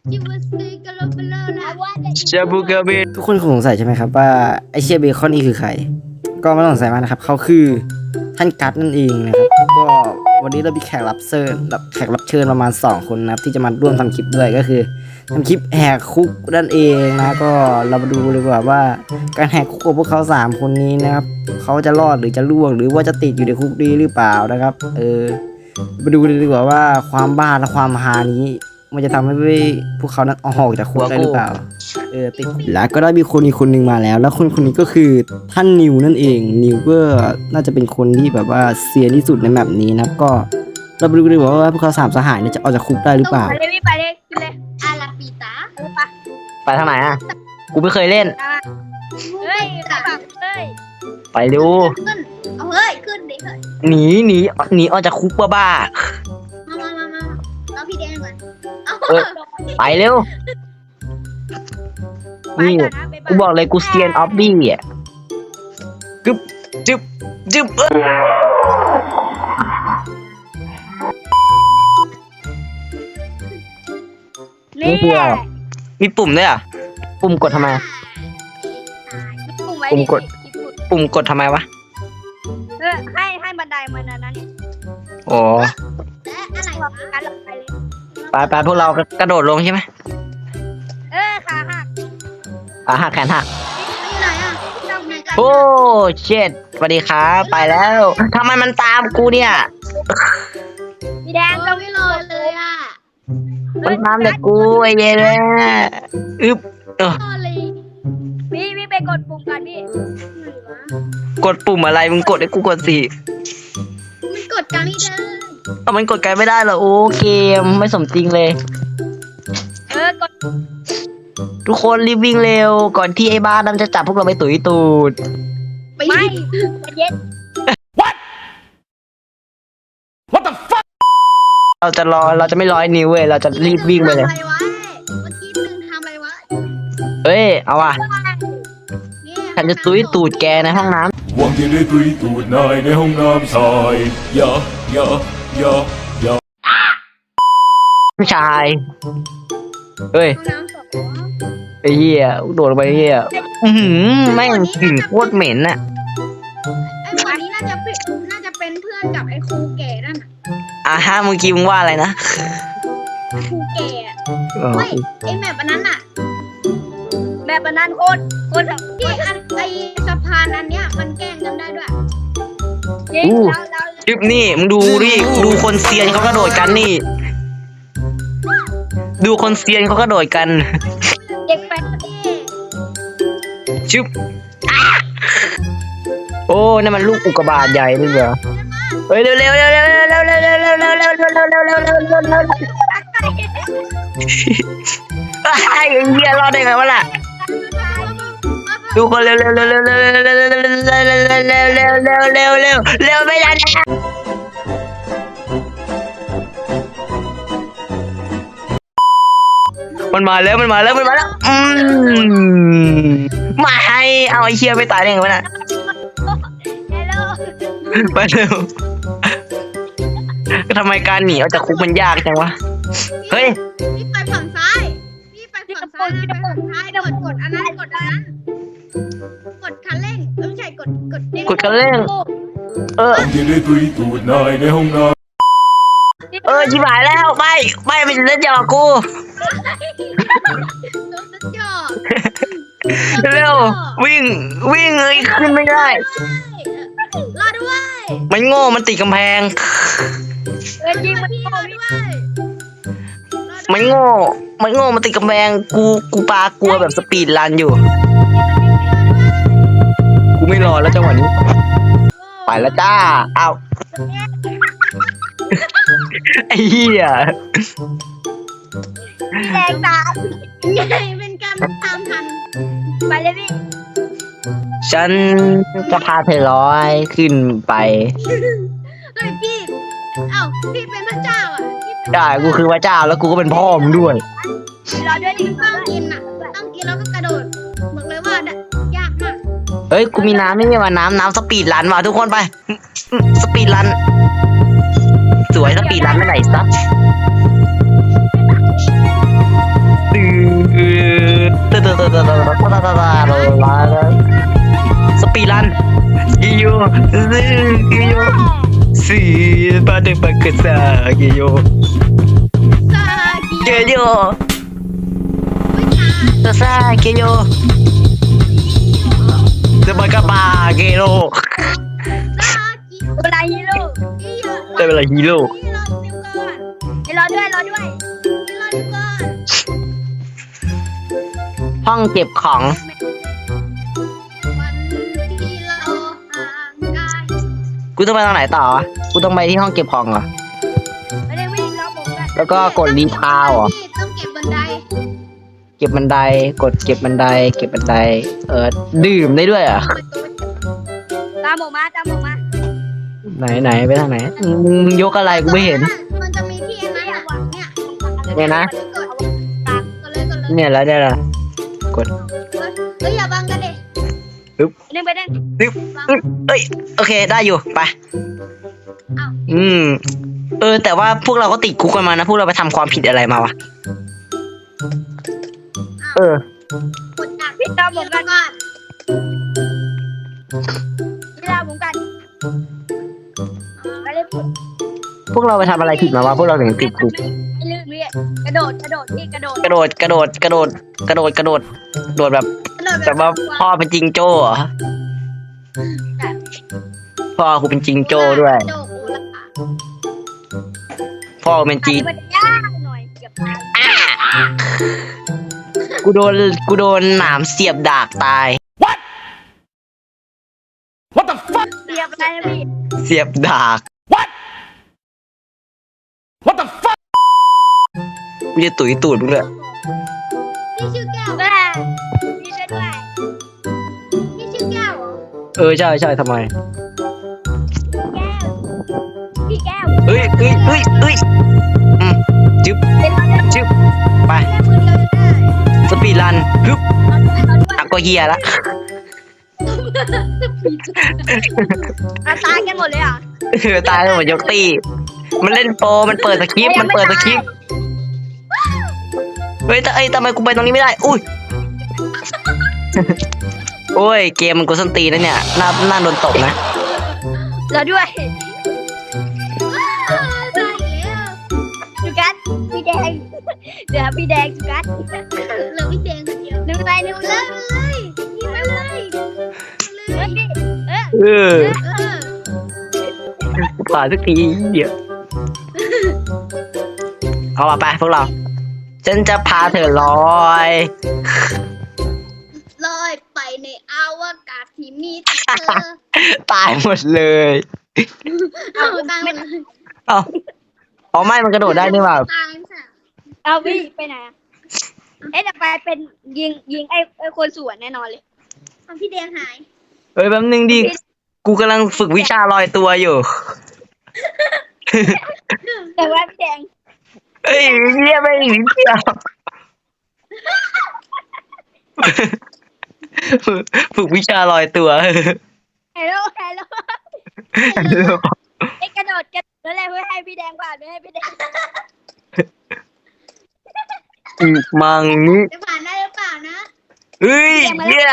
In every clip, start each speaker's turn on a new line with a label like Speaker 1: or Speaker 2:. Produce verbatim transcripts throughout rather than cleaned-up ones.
Speaker 1: ชาบูกาเบ
Speaker 2: ทุกคนคงสงสัยใช่ไหมครับว่าไอเชียเบคอนนี่คือใครก็ไม่ต้องสงสัยมากนะครับเขาคือท่านกัตนั่นเองนะครับก็วันนี้เรามีแขกรับเชิญแบบแขกรับเชิญประมาณสองคนนะครับที่จะมาร่วมทำคลิปด้วยก็คือทำคลิปแหกคุกนั่นเองนะก็เรามาดูเลยว่าว่าการแหกคุกของพวกเขาสามคนนี้นะครับเขาจะรอดหรือจะล่วงหรือว่าจะติดอยู่ในคุกดีหรือเปล่านะครับเออมาดูเลยดีกว่าว่าความบ้าและความฮานี้มันจะทำให้พวกเขานั้นออกจากคุกได้หรือเปล่าเออติดแล้วก็ได้มีคนอีกคนหนึ่งมาแล้วแล้วคนคนนี้ก็คือท่านนิวนั่นเองนิวก็น่าจะเป็นคนที่แบบว่าเซียนที่สุดในแมปนี้นะครับก็เราไปดูกันดีกว่าว่าพวกเขาสามสหายเนี่ยจะออกจากคุกได้หรือเปล่า
Speaker 3: ไปเลยพี่ไปเลยขึ้นเลยอาราปิตาไป
Speaker 1: ไปทางไหนอ่ะกูไม่เคยเล่น
Speaker 3: เฮ้ยแบบเฮ้ย
Speaker 1: ไปดู
Speaker 3: ขึ้นเอาเฮ้ยขึ้นดิเฮ้ย
Speaker 1: หนีหนีหนีออกจากคุกบ้า
Speaker 3: มามามามาเราพี่แดงก่อนเอา
Speaker 1: ๆเออไปเร็วนี่กูบอกเลยกูเซียนออฟบี้อ่ะกึบจึบจึบเอ้ย
Speaker 3: นี่
Speaker 1: มีปุ่มด้วยอ่ะปุ่มกดทำไม
Speaker 3: ปุ่มไว้
Speaker 1: ปุ่มกด ปุ่มกดทำไมวะ
Speaker 3: เออให้ให้บันไดมันนะนั่นเนี่ย
Speaker 1: อ๋อ
Speaker 3: และอะไรวะการลงไปเลย
Speaker 1: ไปไปพวกเรากระโดดลงใช่ไหม
Speaker 3: เออขาหัก
Speaker 1: ขาหักแขนหัก
Speaker 3: อยู่ไหนอ่ะต้องไหนกัน
Speaker 1: โอ้เช็ดสวัสดีครับไปแล้วทำไมมันตามกูเนี่ย
Speaker 3: พี่แดงก็ไม่รอเลยอ่ะ
Speaker 1: มันตามแต่กูไอ้เย้เลยอึ๊บเออ
Speaker 3: รอเลยพี่พี่ไปกดปุ่มกันพี่
Speaker 1: กดปุ่มอะไรมึงกดให้กูกดสิ
Speaker 3: มันกดกันนี่เด้อ
Speaker 1: เอามันกดกันไม่ได้เหรอโอเคไม่สมจริงเลย
Speaker 3: เออกด
Speaker 1: ทุกคนรีบวิ่งเร็วก่อนที่ไอ้บ้านั้นจะจับพวกเราไปตุ๋ยตูด
Speaker 3: ไม่เย็น
Speaker 1: เราจะรอเราจะไม่ร้อยนิ้วเว้ยเราจะรีบวิ่งไปเลย
Speaker 3: ทำอะไรวะเมื่อกี้หนึ่งทำอะไรวะ
Speaker 1: เฮ้ยเอาว่ะ
Speaker 3: เนี่ย
Speaker 1: ฉันจะตุ๋ยตูดแกในห้องน้ำ
Speaker 4: หวังที่ได้ตุยตูดนายในห้องน้ำชายอย่าอย่าอย่าอย่า
Speaker 1: ผู้ชายเฮ้ย
Speaker 3: ห้องน้ำสอง
Speaker 1: ไอ้เหี้ยโดดลงไปไอ้เหี้ยอือหือแม่งกลิ่นโคตรเหม็นน่ะ
Speaker 3: ไอ้หมอนี้น่าจะเป็นน่าจะเป็นเพื่อนกับไอ้ครูแก่นั่นน่ะ
Speaker 1: อ่ะฮะเมื่อกี้มึงว่าอะไรนะ
Speaker 3: ครูแก่อะ
Speaker 1: อ๋อ
Speaker 3: ไม่ไอ้แมปอันนั้นน่ะแบบอันนั้นโคตรโคตรแบบที่อันไอ้สะพานอันเนี้ยมันแกล้งกันได้ด้วยจริงแล้วแล้ว
Speaker 1: คลิปนี่มึงดูดิดูคนเซียนเขากระโดดกันนี่ ดูคนเซียนเขากระโดดกัน
Speaker 3: เด็กแฟนดิ
Speaker 1: ชึบอ่ะโอ้นั่นมันลูกอุกกาบาตใหญ่นี่เหรอเฮ้ยเร็วเร็วเร็วเร็วเร็วเร็วเร็วเร็วเร็วเร็วเร็วเร็วเร็วเร็วเร็วเร็วเร็วเร็วไอ้เหี้ยรอดได้ไงวะล่ะดูคนเร็วเร็วเร็วเร็วเร็วเร็วเร็วเร็วเร็วเร็วเร็วเร็วเร็วเร็วเร็วเร็วไม่ได้แล้วมันมาแล้วมันมาแล้วมันมาแล้วอืมมาให้เอาไอ้เชี่ยไม่ตายได้ไงวะน่ะ
Speaker 3: เฮลโล
Speaker 1: ไปเร็วทำไมการหนีออกจากคุกมันยากจังวะเฮ้ย
Speaker 3: พี่ไปฝั่งซ้ายพี่ไปฝั่งซ้ายนะไปฝั่งซ้ายกดกดอันนั้นกดอันนั้นกดคันเร่งเออไม่ใช่กดกด
Speaker 1: กดคันเร่ง เออ
Speaker 4: หวังที่ได้ตุยตูดนายในห้องน้ำ
Speaker 1: เออชิบหายแล้วไม่ไม่ไม่จะเล่นหยอกกู
Speaker 3: โดนสัญญา
Speaker 1: เร็ววิ่งวิ่งเลยขึ้นไม่ได้
Speaker 3: รอด้วย
Speaker 1: มันโง่มันติดกำแพง
Speaker 3: เออยิงมันรอด้วย
Speaker 1: มันโง่มันโง่มันติดกำแพงกูกูปากลัวแบบสปีดรันอยู่กูไม่รอแล้วจังหวะนี้ไปแล้วจ้าเอาไอ้เหี้ย
Speaker 3: แรงตามไงเป็นการตามทันไปเลยพี่
Speaker 1: ฉันจะพาเธอร้อยขึ้นไป
Speaker 3: เฮ้ยพี่เอ้าพี่เป็นพระเจ้าอ่ะพี่เป็น
Speaker 1: ได้กูคือพระเจ้าแล้วกูก็เป็นพ่อมึงด้วย
Speaker 3: รอด้วยดิต้องกินอ่ะต้องกินแล้วก็กระโดดบอกเลยว่ายากมาก
Speaker 1: เฮ้ยกูมีน้ำไม่ใช่ว่าน้ำน้ำสปีดรันว่ะทุกคนไปสปีดรันสวยสปีดรันไม่ไหนซับตาตาตาลาสปีรันกิโยกิโยสีปาเดปากษากิโย
Speaker 3: ซากิ
Speaker 1: เกโยตาซาเกโยสปากาบาเกโย
Speaker 3: ซากิเวลาฮีโร่
Speaker 1: ได้เวลาฮีโร่
Speaker 3: รอด้วยรอด้วยรอด้วยก่อน
Speaker 1: ห้องเก็บของ
Speaker 3: วันที่เราห่างกัน
Speaker 1: กูต้องไปทางไหนต่อวะกูต้องไปที่ห้องเก็บของเหรอ
Speaker 3: ไม่ได้วิ่งรอผมกัน
Speaker 1: แล้วก็กดรีพาวเหรอ
Speaker 3: พี่ต้องเก็บบันได
Speaker 1: เก็บบันไดกดเก็บบันไดเก็บบันไดเออดื่มได้ด้วยเหรอ่ะ
Speaker 3: ตามผมมาตามผมมา
Speaker 1: ไหนไหนไปทางไหนมึงยกอะไรกูไม่เห็น
Speaker 3: มันจะมีที่อันนั้นอะวางเนี่ย
Speaker 1: เนี่ยนะ
Speaker 3: กดตามกดเลยกดเลย
Speaker 1: เนี่ยแล้วเนี่ยละกด
Speaker 3: เฮ้ยอย่าบังกันดิ
Speaker 1: ปึ๊บ
Speaker 3: เล่นไปเล่น
Speaker 1: ปึ๊บปึ๊บเอ้ยโอเคได้อยู่ไป
Speaker 3: อ้าว
Speaker 1: อืมเออแต่ว่าพวกเราก็ติดคุกกันมานะพวกเราไปทำความผิดอะไรมาวะเออก
Speaker 3: ดดักพี่ตามผมกันก่อนพี่ตามผมกันไปเลยพี่
Speaker 1: พวกเราไปทำอะไรผิดมาวะพวกเราถึงติดคุก
Speaker 3: ไม่ลื่นพี่กระโดดกระโดดพี่กระโดด
Speaker 1: กระโดดกระโดดกระโดดกระโดดกระโดดโดดแบบ
Speaker 3: กระโดด
Speaker 1: แบบว่าพ่อเป็นจิงโจ้เหรอพ่อกูเป็นจิงโจ้ด้วย
Speaker 3: กระโดดกูละ
Speaker 1: พ่อเป็นจี
Speaker 3: มันยากหน่อยเกือบตาย
Speaker 1: กูโดนกูโดนหนามเสียบดากตาย
Speaker 3: เรียบอะไรนะพี่
Speaker 1: เสียบดาก กูจะตุ๋ยตูดมึงเลย
Speaker 3: พี่ชื่อแก้วแม่พี่ช่วยด้วยพี่ชื่อแก้วเหรอ
Speaker 1: เออใช่ใช่ทำไม
Speaker 3: แก้วพี่แก้ว
Speaker 1: เอ้ยเอ้ยเอ้ยเอ้ยอืมจึ๊บ
Speaker 3: เป็นเราได้
Speaker 1: จึ๊บไป
Speaker 3: แค่มือเดียวจะได้
Speaker 1: สปีดรันฮึบ
Speaker 3: เราด้วยเราด้วย
Speaker 1: อักก็เฮียละ
Speaker 3: เราตายกันหมดเลยอ่ะ
Speaker 1: เออตายแล้วหมดยกตีมันเล่นโปรมันเปิดสคริปต์มันเปิดสคริปต์เฮ้ยแต่เอ้ยทำไมกูไปตรงนี้ไม่ได้อุ้ย โอ้ยเกมมันกูส้นตีนนะเนี่ยน่าน่าโดนตบนะ
Speaker 3: เราด้วยตายแล้วจุกัสพี่แดงเดี๋ยวพี่แดงจุกัสเหลือพี่แดงคนเดียวนึกไปนึกเลยเลยยิงไปเลยเลยเออ
Speaker 1: เออ
Speaker 3: เออ
Speaker 1: ผ่านสักทีเดี๋ยวเอามาไปพวกเรา ฉันจะพาเธอลอย
Speaker 3: ลอยไปในอวกาศที่มีแต่เธอ
Speaker 1: ตายหมดเลย
Speaker 3: เอาตายหมดเลย
Speaker 1: เอาอ๋อไม่มันกระโดดได้นี่หว่า
Speaker 3: ตายใช่เอาพี่ไปไหนอะเอ๊ะจะไปเป็นยิงยิงไอ้ไอ้คนสวนแน่นอนเลยเอาพี่แดงหาย
Speaker 1: เอ้ยแป๊บนึงดิ กูกำลังฝึกวิชาลอยตัวอยู่
Speaker 3: แต่ว่าพี่แดง
Speaker 1: เอ้ยเรียกไม่ถึงเดียวฝึกวิชาลอยตัว
Speaker 3: ฮัลโหลฮัลโหลไอ้กระโดดกระโดดแล้วแหละเพื่อให้พี่แดงผ่านเพื่อให้พี่แดง
Speaker 1: อีกมังนี้
Speaker 3: จะผ่านได้หรือเปล่านะ
Speaker 1: เฮ้ยเยี่ย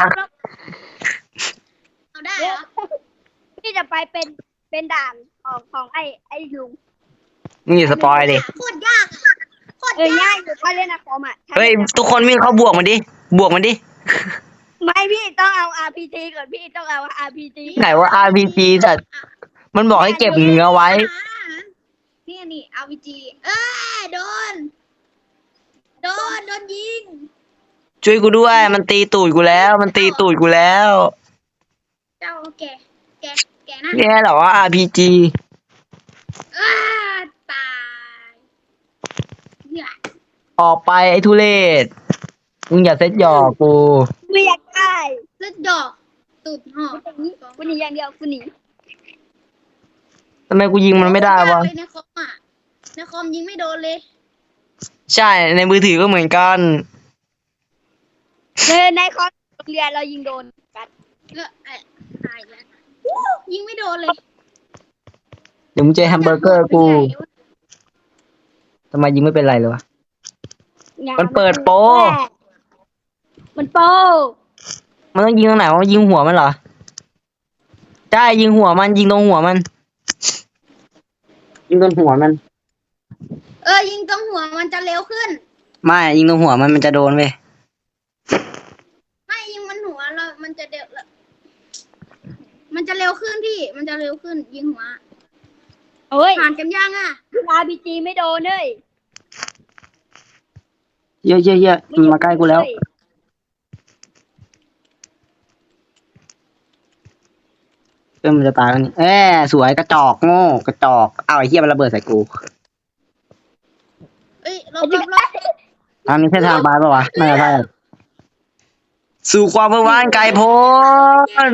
Speaker 3: เอาได้เหรอพี่จะไปเป็นเป็นด่านของของไอ้ไอ้ลุง
Speaker 1: มึงอย่าสปอยดิ
Speaker 3: โคตรยากอะโคตรยากอยู่ถ้าเล่นอะคอมอ่ะ
Speaker 1: เฮ้ยทุกคนวิ่งเข้าบวกมันดิ บวกมันดิ
Speaker 3: ไม่พี่ต้องเอา อาร์ พี จี ก่อนพี่ต้องเอา อาร์ พี จี
Speaker 1: ไหนว่า อาร์ พี จี แต่มันบอกให้เก็บเนื้อไว้
Speaker 3: นี่นี่ อาร์ พี จี เอ้ยโดน โดน โดนยิง
Speaker 1: ช่วยกูด้วย มันตีตูดกูแล้ว มันตีตูดกูแล้ว
Speaker 3: เจ้าแกแกแกนะ
Speaker 1: เนี่ยเหรอว่า อาร์ พี จี
Speaker 3: อ้าตายเนี่ย
Speaker 1: ออกไปไอ้ทุเรศ มึงอย่าเซ็ตหยอกกู
Speaker 3: ไม่อยากได้เลือดดอกตูดหอกคุณหนีอย่างเดียวคุณหนี
Speaker 1: ทำไมกูยิงมันไม่ได้วะ
Speaker 3: ในคอมอ่ะในคอมยิงไม่โดนเลย
Speaker 1: ใช่ ในมือถือก็เหมือนกัน
Speaker 3: เออในคอมโรงเรียนเรายิงโดนกันเออไอ้ตายแล้วอู้ยิงไม่โดนเลย
Speaker 1: เดี๋ยวมึงเจอแฮมเบอร์เกอร์กูทำไมยิงไม่เป็นไรเลยวะ มันเปิดโปร
Speaker 3: มันโป
Speaker 1: มันต้องยิงตรงไหนวะยิงหัวมันเหรอใช่ยิงหัวมันยิงตรงหัวมัน ยิงตรงหัวมัน
Speaker 3: เออยิงตรงหัวมันจะเร็วขึ้น
Speaker 1: ไม่ยิงตรงหัวมันมันจะโดนเว้ย
Speaker 3: ไม่ยิงมันหัวเรามันจะเร็วมันจะเร็วขึ้นพี่ มันจะเร็วขึ้น ยิงหัวเอ้ยผ่านกันยังอ่ะอาร์พีจีไม่โดนเลย
Speaker 1: เยอะเยอะเยอะมันมาใกล้กูแล้วเริ่มมันจะตายแล้วนี่เอ้สวยกระจอกโง่กระจอกเอาไอ้เหี้ยมันระเบิดใส่กู
Speaker 3: เอ้ยเราเราเรา
Speaker 1: ทางนี้ใช่ทางไปปะวะไม่ใช่สู่ความเมื่อวานไกลโพ้น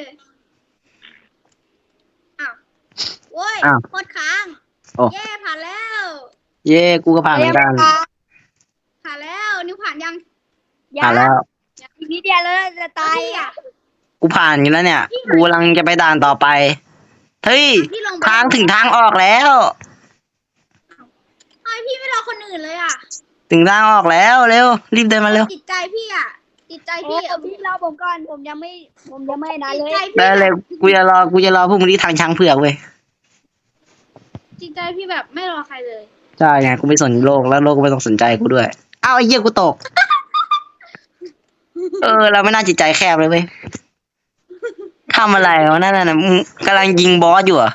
Speaker 3: อ้าวโว้ย
Speaker 1: อ้าว
Speaker 3: โคตรค้าง
Speaker 1: โอ้
Speaker 3: เย่ผ่านแล้ว
Speaker 1: เย่กูก็ผ่านเหมือนกัน
Speaker 3: ผ่านแล้วนิ้วผ่านยัง
Speaker 1: ผ่านแล้ว
Speaker 3: อีกนิดเดียวแล้วจะตายอ่ะ
Speaker 1: กูผ่านอยู่แล้วเนี่ย กูกำลังจะไปด่านต่อไป เฮ้ย
Speaker 3: พี่ลงไป
Speaker 1: ทางถึงทางออกแล้ว
Speaker 3: ทำไมพี่ไม่รอคนอื่นเลยอ่ะ
Speaker 1: ถึงทางออกแล้วเร็ว รีบเดินมาเร็ว
Speaker 3: จิตใจพี่อ่ะจิตใจพี่อ่ะพี่รอผมก่อนผมยังไม่ผมยังไม่นะเลยจิตใจพี่
Speaker 1: ได้เลย กูจะรอ กูจะรอพวกมึงที่ทางช้างเผือกเว้ย
Speaker 3: จิตใจพี่แบบไม่รอใครเลย
Speaker 1: ใช่ไง กูไม่สนโลกแล้วโลกก็ไม่ต้องสนใจกูด้วย อ้าวไอ้เหี้ยกูตก เออ เราไม่น่าจิตใจแคบเลยเว้ยทำอะไรวะนั่นน่ะมึงกำลังยิงบอสอยู่เหรอ่ะ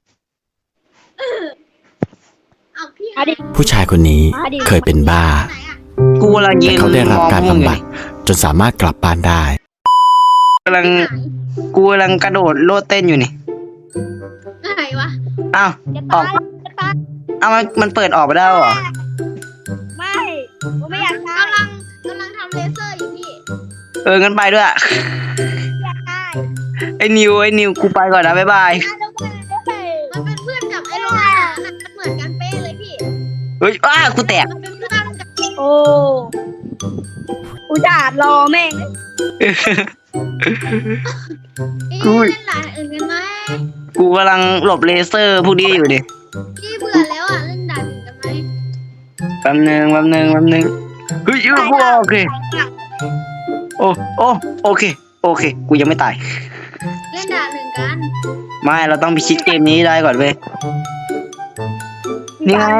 Speaker 3: เอาพี่
Speaker 5: ผู้ชายคนนี้เคยเป็นบ้า
Speaker 3: ไหนอ่ะ
Speaker 1: กูกำลังยื
Speaker 5: แต่
Speaker 1: น
Speaker 5: เขาได้รับการ
Speaker 1: มองพวมึง
Speaker 5: บำบัด
Speaker 1: อยู่
Speaker 5: จนสามารถกลับบ้านได้
Speaker 1: กำลัง กูกำลังกระโดดโลดเต้นอยู่นี่
Speaker 3: ไหนวะ
Speaker 1: อ้าว
Speaker 3: จะ
Speaker 1: ออ
Speaker 3: ตาก ยจะตาย
Speaker 1: อ้าวมันมันเปิดออกไปได้เหรอ
Speaker 3: ไม่ผมไม่อยากตายกำลังกำลังทำเลเซอร์อยู่พี่
Speaker 1: เอองั้นไปด้วย
Speaker 3: อยากตาย
Speaker 1: ไอ้นิวไอ้นิวกูไปก่อนนะบ๊ายบาย
Speaker 3: มันเป็นเพื่อนกับไอ้โรงงานมันเหมือนกันเป๊ะเลยพี่
Speaker 1: เฮ้ยอ้ากูแตก
Speaker 3: มันเป็นเพื่อนกับโอ้อุจาดรอแม่งเอ๊ะเล่นหลานอื่นกันไหม
Speaker 1: กูกำลังหลบเลเซอร์พวกนี้อยู่ดิ
Speaker 3: พี่เบื่อแล้วอ่ะเล่นด่านอื่นกันไหม
Speaker 1: แป๊บนึงแป๊บนึงแป๊บนึงเฮ้ยเออกูโอเคโอ้โอ้โอเคโอเค กูยังไม่ตาย
Speaker 3: เล่นด่านอื่นกัน
Speaker 1: ไม่เราต้องพิชิตเกมนี้ได้ก่อนเว้ยนี่ไง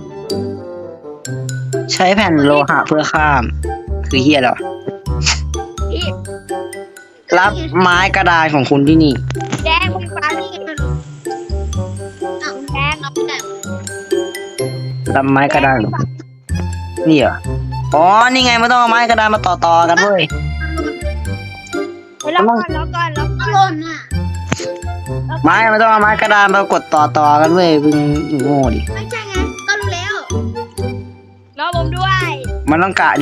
Speaker 1: ใช้แผ่นโลหะเพื่อข้าม คือเฮียเหรอ
Speaker 3: พี่
Speaker 1: รับไม้กระดานของคุณที่นี่
Speaker 3: แดงมึงฟังนี่มันอ่ะแดงเอาไปไหน
Speaker 1: รับไม้กระดานนี่เหรออ๋อนี่ไงมันต้องเอาไม้กระดานมาต่อต่อๆกันเว้ย
Speaker 3: แล้วก่อนแล้วก่อนแล้วก่อนหล่นอ่ะ
Speaker 1: ไม้มันต้องเอาไม้กระดานมากดต่อต่อๆกันเว้ยมึงโง่ดิ
Speaker 3: ไม่ใช่ไงก็รู้แล้วรอผมด้วย
Speaker 1: มันต้องกะดี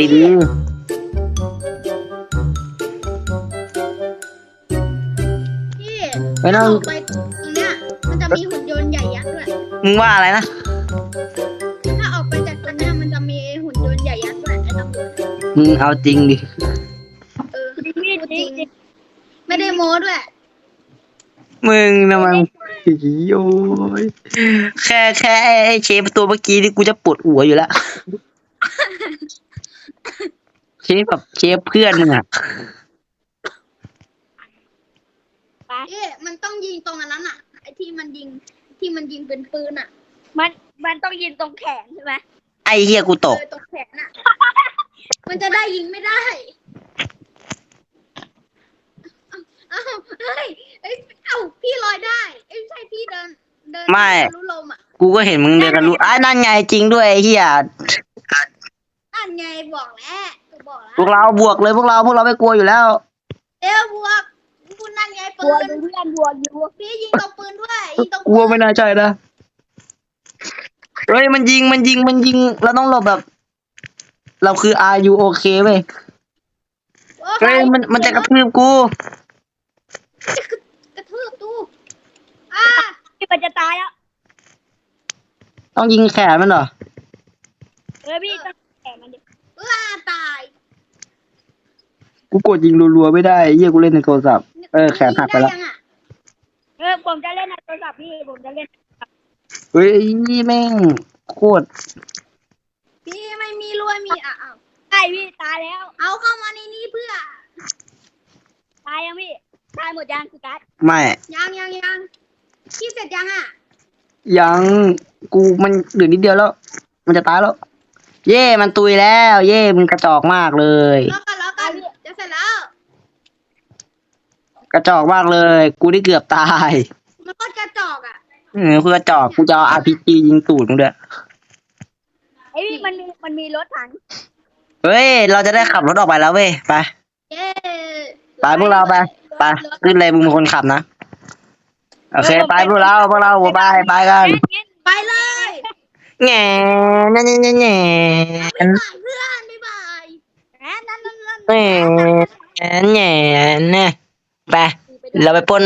Speaker 3: พี่
Speaker 1: ๆไม่ต้อง
Speaker 3: ออกไปตรงเนี้ยมันจะมีหุ่นยนต์ใหญ่ยักษ์ด้วย
Speaker 1: มึงว่าอะไรนะ
Speaker 3: ถ้าออกไปจากตรงเนี้ยมันจะมีหุ่นยนต์ใหญ่ยักษ์ด้วยไอ้ตำรวจ
Speaker 1: มึงเอาจริงดิ
Speaker 3: เออพูดจริงไม่ได้โม้ด้วย
Speaker 1: มึงนะมันโอ้ยแค่แค่ไอ้เชฟตัวเมื่อกี้นี่กูจะปวดหัวอยู่แล้ว เชฟแบบเชฟเพื่อนมึงอ่ะ
Speaker 3: เอ๊ะมันต้องยิงตรงอันนั้นอ่ะไอ้ที่มันยิงที่มันยิงเป็นปืนอ่ะ มันมันต้องยิงตรงแขนใช่ไหม
Speaker 1: ไอ้เฮียกูตก
Speaker 3: เออตรงแขนอ่ะ มันจะได้ยิงไม่ได้เอ้าเอ้าเฮ้ยเอ้ยเอ้าพี่ลอยได้เอ้ยไม่ใช่พี่เดินเดิน
Speaker 1: ไม่
Speaker 3: รู้ลมอ่ะ
Speaker 1: กูก็เห็นมึงเดินกันรู้อ้ายนั่นไงจริงด้วยไอ้เฮีย
Speaker 3: นั่นไงบอกแล้วก็บอกแล้ว
Speaker 1: พวกเราบวกเลยพวกเราพวกเราไม่กลัวอยู่แล้ว
Speaker 3: เอ้วบวกคุณนั่นไงปืนเพื่อนบวกอยู่พี่ยิงตรงปืนด้วยยิงตรง
Speaker 1: กลัวไม่น่าใช่นะเฮ้ยมันยิงมันยิงมันยิงเราต้องหลบแบบ เราคือ are you okay เว้ย
Speaker 3: โอ้
Speaker 1: เฮ้ยมันมันจะกระทืบกู
Speaker 3: กระทืบตู้อ่าพี่มันจะตายแล้ว
Speaker 1: ต้องยิงแขนมันเหรอ
Speaker 3: เออพี่ต้องแขนมันดิว้าตาย
Speaker 1: กูกดยิงรัวๆไม่ได้เยี่ยกูเล่นในโทรศัพท์เออแขนหักไปแล้ว
Speaker 3: ด้ยังอะเออผมจะเล่นในโทรศัพท์พี่ผมจะเล่น
Speaker 1: เฮ้ยนี่แม่งโคตร
Speaker 3: พี่ไม่มีรวยมีอ่ะอ้าวไอ้พี่ตายแล้ว เอาเข้ามาในนี้เพื่อ ตายยังพี่ ตายหมดยังสุกัส
Speaker 2: ไม่
Speaker 3: ยังยังยังพี่เสร็จยังอ่ะ
Speaker 2: ยังกูมันเหลือนิดเดียวแล้ว มันจะตายแล้ว เย่มันตุยแล้ว เย่มึงกระจอกมากเลย
Speaker 3: รอกันรอกันจะเสร็จแล้ว
Speaker 2: กระจอกมากเลย กูได้เกือบตาย
Speaker 3: มันก็กระจอกอ่ะ
Speaker 2: เออกูกระจอกกูจะเอา อาร์ พี จี ยิงตูดมึงด้วย
Speaker 3: ไอ้พี่มันมีมันมีรถถัง
Speaker 2: เฮ้ย เราจะได้ขับรถออกไปแล้วเว้ย ไป
Speaker 3: เย้
Speaker 2: ไปพวกเราไป ไปขึ้นเลยมึงเป็นคนขับนะ โอเค ไปพวกเราพวกเราไปไปกัน
Speaker 3: ไปเลย
Speaker 2: แง่แง่แง่แง่แง่
Speaker 3: บ๊ายบายเพื่อนบ๊ายบายแหมนั่นนั่นนั่น
Speaker 2: แง่แง่แง่ไป เราไปปล้น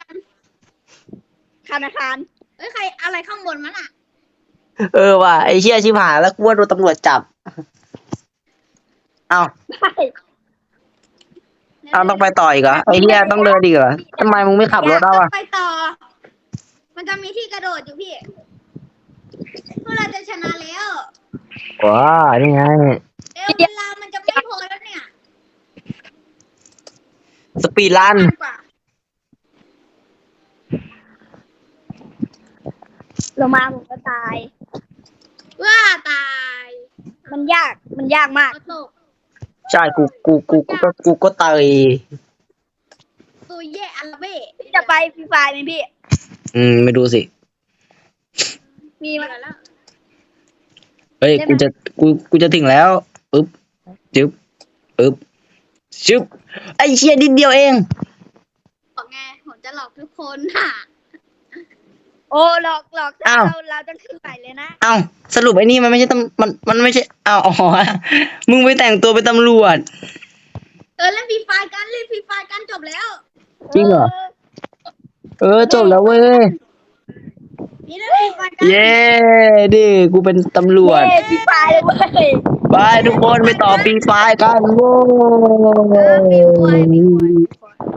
Speaker 3: ธนาคารเอ้ยใครอะไรข้างบนมันอ่ะ
Speaker 2: เออว่ะไอ้เชี่ยชิบหายแล้วกูว่าโดนตำรวจจับ เอาเอาต้องไปต่ออีกเหรอไอ้เหี้ยต้องเดินอีกเหรอทำไมมึงไม่ขับรถเอาอ่ะ
Speaker 3: ไปต่อ มันจะมีที่กระโดดอยู่พี่พวกเราจะชนะแล้ว
Speaker 2: ว้านี่ไง
Speaker 3: เร็วเวลามันจะไม่พอแล้วเนี่ย
Speaker 2: สปีดรัน
Speaker 3: นานกว่าลงมาผมก็ตาย ว่าตาย มันยาก มันยากมาก
Speaker 2: ใช่กูกูกูกูก็กูก็ตาย
Speaker 3: ตัวแย่อัลเบ้พี่จะไปฟรีไฟไหมพี่
Speaker 2: อืมไม่ดูสิ
Speaker 3: มีมาแล้ว
Speaker 2: เฮ้ยกูจะกูกูจะถึงแล้วปึ๊บจึ๊บปึ๊บชึบไอ้เชี่ยนิดเดียวเอง
Speaker 3: บอกไงผมจะหลอกทุกคนค่ะ โอ้หลอกหลอกเราเราจะขึ้นไปเลยนะ
Speaker 2: เอ้าสรุปไอ้นี่มันไม่ใช่ตำมันมันไม่ใช่อ้าวอ๋อมึงไปแต่งตัวเป็นตำรวจ
Speaker 3: เออเล่นฟรีไฟกันเล่นฟรีไฟกันจบแล้ว
Speaker 2: จริงเหรอ เออจบแล้วเว้ย
Speaker 3: นี่เล่นฟรีไฟกัน
Speaker 2: เย้ดิกูเป็นตำรวจ
Speaker 3: เล่นฟรีไฟเลยเว้ย
Speaker 2: ไปทุกคนไปต่อปีไฟกันโว้
Speaker 3: เออฟรีไฟฟรีไฟ